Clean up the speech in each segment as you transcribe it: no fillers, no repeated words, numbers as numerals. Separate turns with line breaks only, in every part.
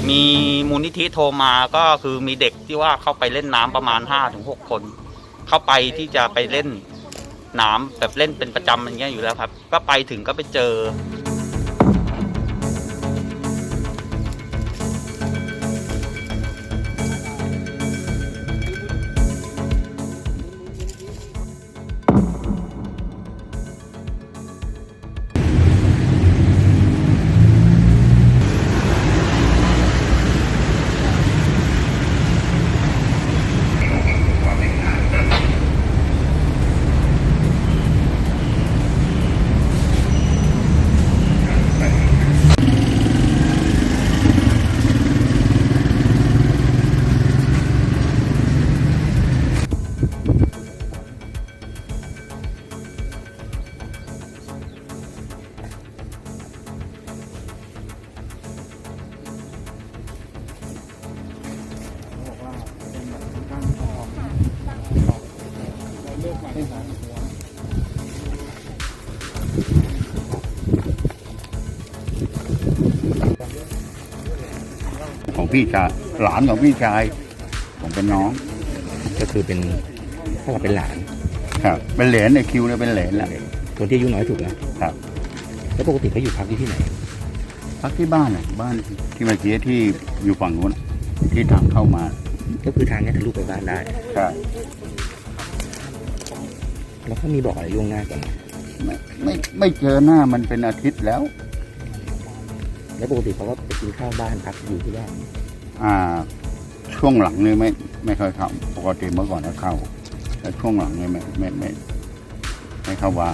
มีมูลนิธิโทรมาก็คือมีเด็กที่ว่าเข้าไปเล่นน้ำประมาณ 5-6 คน เข้าไปที่จะไปเล่นน้ำแบบเล่นเป็นประจำอย่างเงี้ยอยู่แล้วครับก็ไปถึงก็ไปเจอ
ของพี่ชายหลานของพี่ชายผมเป็นน้อง
ก็คือเป็นถ้าเราเป็นหลาน
ครับเป็นเหลนในคิวเนี่ยเป็นเหลนแหละ
คนที่อายุน้อยสุดนะครับแล้วปกติเขาอยู่พักที่ไหน
พักที่บ้านอ่ะบ้านที่เมื่อกี้ที่อยู่ฝั่งนู้นที่ทางเข้ามา
ก็คือทางนี้ทะลุไปบ้านได้
ใช่
แล้วเขามีบอกอะไรล่วงหน้ากัน
ไม่เจอหน้ามันเป็นอาทิตย์แล้ว
แล้วปกติเขาก็ไปกินข้าวบ้านพักอยู่ที่บ้าน
ช่วงหลังนี่ไม่ค่อยเข้าปกติเมื่อก่อนก็เข้าแต่ช่วงหลังนี่ไม่เข้าว่า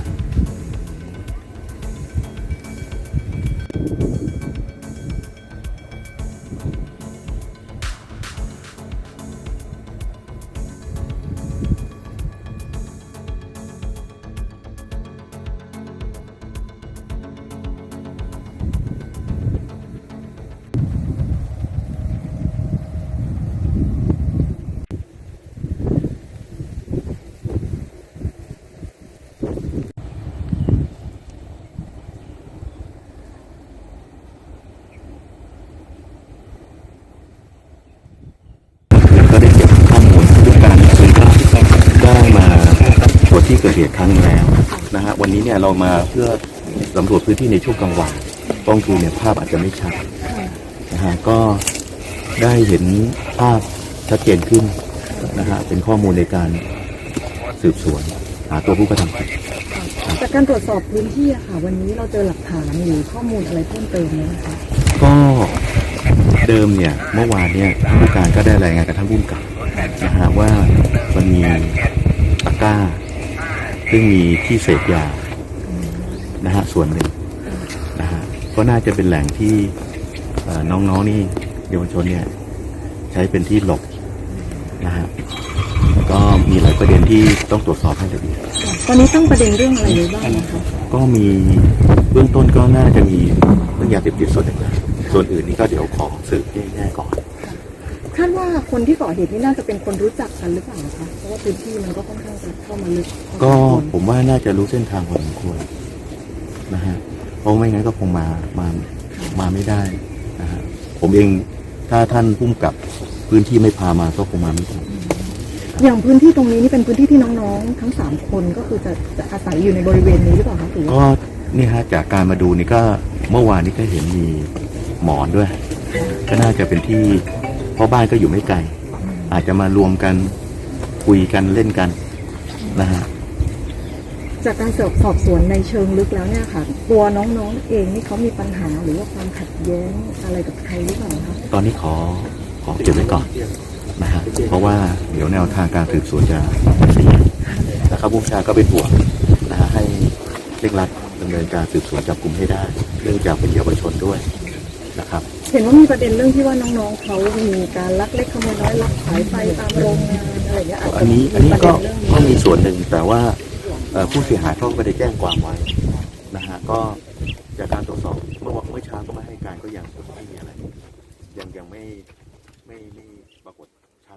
ก็ได้เก็บข้อมูลด้วยการซื้อภาพได้มาตรวจที่เกิดเหตุครั้งนึงแล้วนะฮะวันนี้เนี่ยเรามาเพื่อสำรวจพื้นที่ในช่วงกลางวันกล้องดูเนี่ยภาพอาจจะไม่ชัดนะฮะก็ได้เห็นภาพชัดเจนขึ้นนะฮะเป็นข้อมูลในการสืบสวนหาตัวผู้กระทำผิด
จากการตรวจสอบพื้นที่อะค่ะวันนี้เราเจอหลักฐานหรือข้อมูลอะไรเพิ่มเติมไหมคะ
ก็เดิมเนี่ยเมื่อวานเนี่ยผู้การก็ได้รายงานกับท่านผู้กำกับนะฮะว่ามันมีตะกร้าซึ่งมีที่เสพยานะฮะส่วนหนึ่งนะฮะก็น่าจะเป็นแหล่งที่น้องๆนี่เยาวชนเนี่ยใช้เป็นที่หลบนะฮะก็มีหลายประเด็นที่ต้องตรวจสอบให้ละเอียด
ตอนนี้ตั้งประเด็นเรื่องอะไรไว้บ้างคะ
ก็มีเบื้องต้นก็น่าจะมีเรื่องยาเสพติดส่วนหนึ่งส่วนอื่นนี่ก็เดี๋ยวขอสืบแน่ๆก่อน
คาดว่าคนที่ก่อเหตุนี่น่าจะเป็นคนรู้จักกันหรือเปล่าคะเพราะว่าพื้นที่มันก็ค่อนข้างจะเข้ามาลึก
ก็ผมว่าน่าจะรู้เส้นทางพอสมควรนะฮะเพราะไม่งั้นก็คงมาไม่ได้นะฮะผมเองถ้าท่านผู้กำกับพื้นที่ไม่พามาก็คงมาไม่ได้
อย่างพื้นที่ตรงนี้นี่เป็นพื้นที่ที่น้องๆทั้ง3คนก็คือจะอาศัยอยู่ในบริเวณนี้หรือเปล่าคะ
ก็นี่ฮะจากการมาดูนี่ก็เมื่อวานนี้ก็เห็นมีหมอนด้วยก็น่าจะเป็นที่เพราะบ้านก็อยู่ไม่ไกลอาจจะมารวมกันคุยกันเล่นกันนะฮะ
จากการสอบสวนในเชิงลึกแล้วเนี่ยค่ะตัวน้องๆเองนี่เขามีปัญหาหรือว่าความขัดแย้งอะไรกับใครหรือเปล่าคะ
ตอนนี้ขอเก็บไว้ก่อนนะฮะเพราะว่าเดี๋ยวแนวทางการสืบสวนจะเสียนะครับผู้ชาก็เป็นห่วงนะฮะให้เร่งรัดดำเนินการสืบสวนจับกลุ่มให้ได้เนื่องจากเป็นเยาวชนด้วยนะครับ
เห็นว่ามีประเด็นเรื่องที่ว่าน้องๆเขามีการลักเล็กขโมยน้อยลักสายไฟตามโรงงานอะไรอย่างเงี้ย
อันนี้ก็มีส่วนหนึ่งแต่ว่าผู้เสียหายเขาไม่ได้แจ้งความไว้นะฮะก็จากการตรวจสอบเมื่อเช้าก็มาให้การก็ยังไม่มีอะไรยังไม่ปรากฏชัด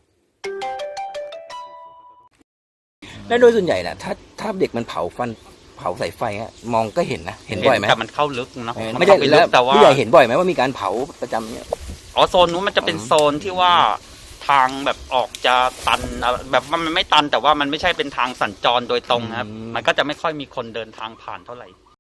และโดยส่วนใหญ่นะถ้าเด็กมันเผาสายไฟมองก็เห็นนะเห็นบ่อยไหม
แต่มันเข้าลึกเนาะ
ไม่ได้แล้วแต่ว่าผู้ใหญ่เห็นบ่อยไหมว่ามีการเผาประจำเนี่ย
อ๋อโซนนู้นมันจะเป็นโซนที่ว่าทางแบบออกจะตันแบบว่ามันไม่ตันแต่ว่ามันไม่ใช่เป็นทางสัญจรโดยตรงครับ มันก็จะไม่ค่อยมีคนเดินทางผ่านเท่าไหร่